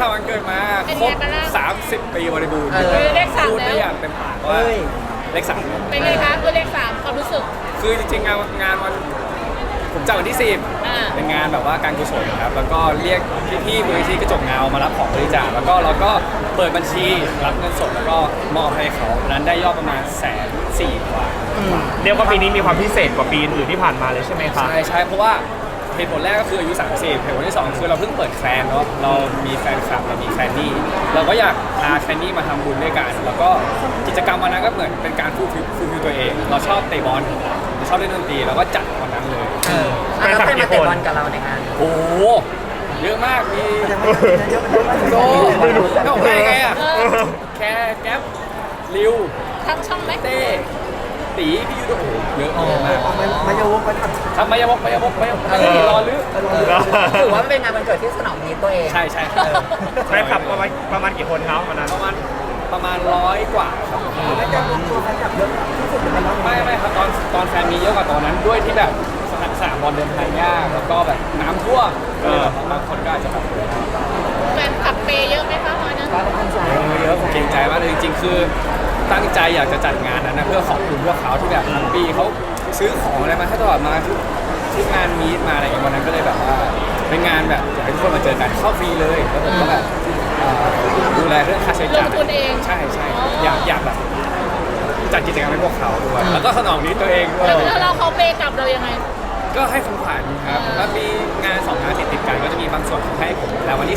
ผ่านวันเกิดมาครบ30 ปีบริบูรณ์เลข3 พูดได้อย่างเต็มปากว่าเลข 3 เป็นไงคะคือเลข3ความรู้สึกคือจริงๆงานวันผมจัดวันที่10เป็นงานแบบว่าการกุศลครับแล้วก็เรียกพี่ๆมูลนิธิกระจกเงามารับของบริจาคแล้วก็เราก็เปิดบัญชีรับเงินสดแล้วก็มอบให้เขานั้นได้ยอดประมาณ140,000 กว่าเรียกว่าปีนี้มีความพิเศษกว่าปีอื่นที่ผ่านมาเลยใช่ไหมครับใช่เพราะว่าเหตุผลแรกก็คืออายุ30เหตุผลที่2คือเราเพิ่งเปิดแคลนเนาะเรามีแฟนคลับเรามีแคลนนี่เราก็อยากพาแคลนนี่มาทำบุญด้วยกันแล้วก็กิจกรรมวันนั้นก็เหมือนเป็นการฟูลฟิลตัวเองเราชอบเตะบอลเราชอบเล่นดนตรีเราก็จัดวันนั้นเลยแล้วใครมาเตะบอลกับเราในงานโอ้เยอะมากมีโก้ไม่ออกได้ไงอ่ะแค่แก๊ปริวทั้งช่องไหมเต้ตีพี่ยูโดเยอะมากมายาวกมันทำมายาวกรอลึกถือว่าเป็นงานวันเกิดที่สนองนี้ตัวเองใช่ใช่ครับประมาณกี่คนครับวันนั้นประมาณ100 กว่าครับแล้วจะมีตัวแฟนคลับเยอะที่สุดในรอบไม่ครับตอนแฟนมีเยอะกว่าตอนนั้นด้วยที่แบบสนามบอลเดินทางยากแล้วก็แบบน้ำท่วมบางคนก็อาจจะแบบแฟนคลับเปย์เยอะไหมคะวันนั้นเยอะผมเกรงใจมากเลยจริงๆคือตั้งใจอยากจะจัดงานนั้นนะเพื่อขอบคุณพวกเขาที่แบบทั้งปีเขาซื้อของอะไรมาให้ตลอดมาทุกงานมีดมาอะไรอย่างวันนั้นก็เลยแบบว่าเป็นงานแบบอยากให้ทุกคนมาเจอกันเข้าฟรีเลยแล้วผมก็แบบดูแลเรื่องค่าใช้จ่ายใช่อยากแบบจัดกิจกรรมให้พวกเขาด้วยแล้วก็สนองนี้ตัวเองด้วยแล้วเราเขาเปย์กลับเรายังไงก็ให้ของขวัญครับแล้วมีงาน2 งานติดกันก็จะมีบางส่วนให้ผมแล้ววันที่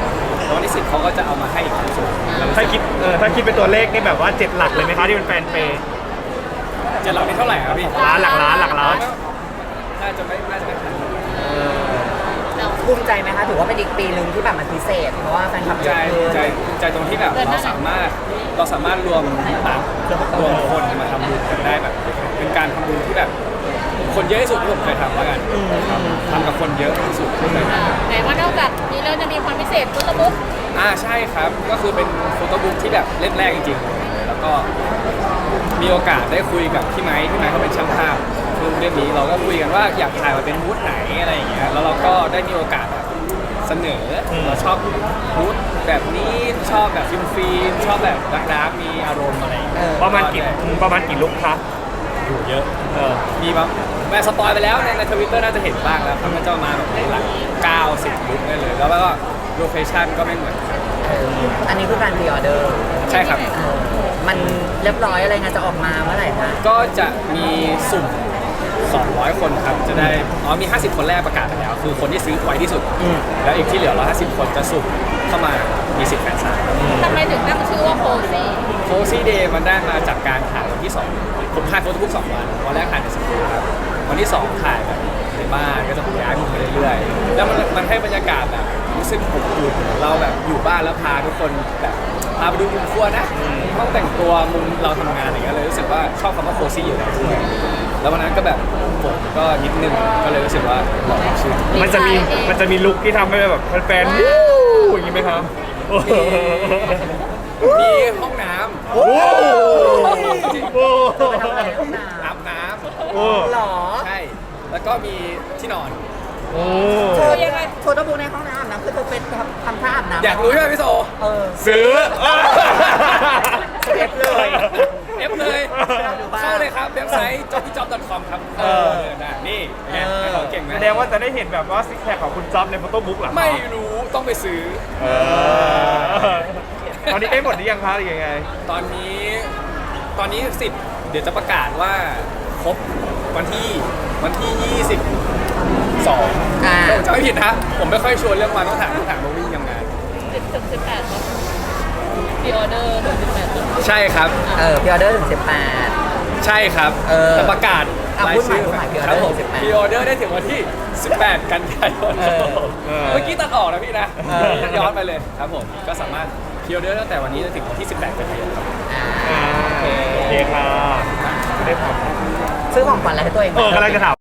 4แล้ววันที่10เขาก็จะเอามาให้อีกบางส่วนถ้าคิดเป็นตัวเลขนี่แบบว่า7 หลักเลยไหมคะที่เป็นแฟนเปย์ 7 หลักนี่เท่าไหร่ครับพี่หลักล้านน่าจะไม่ทันภูมิใจไหมคะถือว่าเป็นอีกปีหนึ่งที่แบบมันพิเศษเพราะว่าแฟนคลับใจตรงที่แบบเราสามารถรวมคนมาทำบุญกันได้แบบเป็นการทำบุญที่แบบคนเยอะที่สุดที่ผมเคยทำแล้วกันทำกับคนเยอะที่สุดที่เคยทำแต่ว่านอกจากนี้เราจะมีความพิเศษโฟโต้บุ๊กใช่ครับก็คือเป็นโฟโต้บุ๊กที่แบบเล่มแรกจริงๆแล้วก็มีโอกาสได้คุยกับพี่ไม้เขาเป็นช่างภาพคือเรื่องนี้เราก็คุยกันว่าอยากถ่ายมาเป็นบูธไหนอะไรอย่างเงี้ยแล้วเราก็ได้มีโอกาสแบบเสนอเราชอบบูธแบบนี้ชอบแบบฟิล์มชอบแบบดาร์กมีอารมณ์อะไรประมาณกี่ลุคคะอยู่เยอะมีแบบแม่สปอยไปแล้วในทวิตเตอร์น่าจะเห็นบ้างแล้วครับมันจะมาแบบหลัก90 ลุคได้เลยแล้วก็โลเคชั่นก็ไม่เหมือนกันอันนี้คือการพรีออเดอร์ใช่ครับมันเรียบร้อยอะไรงานจะออกมาเมื่อไหร่คะก็จะมีสุ่ม200 คนครับจะได้มี50 คนแรกประกาศไปแล้วคือคนที่ซื้อไวที่สุดแล้วอีกที่เหลือ150 คนจะสุ่มเข้ามามีสิทธิ์แฟนซายทำไมถึงตั้งชื่อว่าโคซี่เดย์มันได้มาจากการถ่ายวันที่2ผมถ่ายโฟโต้บุ๊ก2 วันแรกถ่ายในสตูครับวันที่2ถ่ายแบบในบ้านก็จะย้ายมุมไปเรื่อยๆแล้วมันให้บรรยากาศแบบรู้สึกอบอุ่นเราแบบอยู่บ้านแล้วพาทุกคนแบบพาไปดูมุมครัวนะห้องแต่งตัวมุมเราทำงานอะไรเงี้ยเลยรู้สึกว่าชอบคำว่าโคซี่อยู่แล้วด้วยแล้ววันนั้นก็แบบผมก็นิดนึงก็เลยรู้สึกว่าบอกชื่อมันจะมีลุคที่ทำให้แบบแฟนๆอย่างนี้ไหมครับมีห้องน้ำอาบน้ำหรอใช่แล้วก็มีที่นอนโชยังไงโชว์ตัวบูในห้องน้ำน้ำคือเธอเป็นทำท่าอาบน้ำอยากรู้ใช่ไหมพี่โซซื้อเอฟเลยเข้าเลยครับเว็บไซต์ jobbjop.com ครับนี่เขาเก่งไหมแสดงว่าจะได้เห็นแบบว่าซิกแพคของคุณจ๊อบในโฟโต้บุ๊กหรอไม่รู้ต้องไปซื้อตอนนี้ได้หมดหรือยังคะหรือยังไงตอนนี้10เดี๋ยวจะประกาศว่าครบวันที่22จะไม่ผิดฮะผมไม่ค่อยชวนเรื่องวันต้องถามว่าวิ่งยังไง 18พรีออเดอร์ถึง18 ใช่ครับพรีออเดอร์ถึง18 ใช่ครับแต่ประกาศรายชื่อครับผมพรีออเดอร์ได้ถึงวันที่18 กันยายนเมื่อกี้ตัดออกนะพี่นะย้อนไปเลยครับผมก็สามารถพรีออเดอร์ตั้งแต่วันนี้ถึงวันที่18 กันยายนครับโอเคค่ะซื้อของขวัญอะไรให้ตัวเองกำลังจะถาม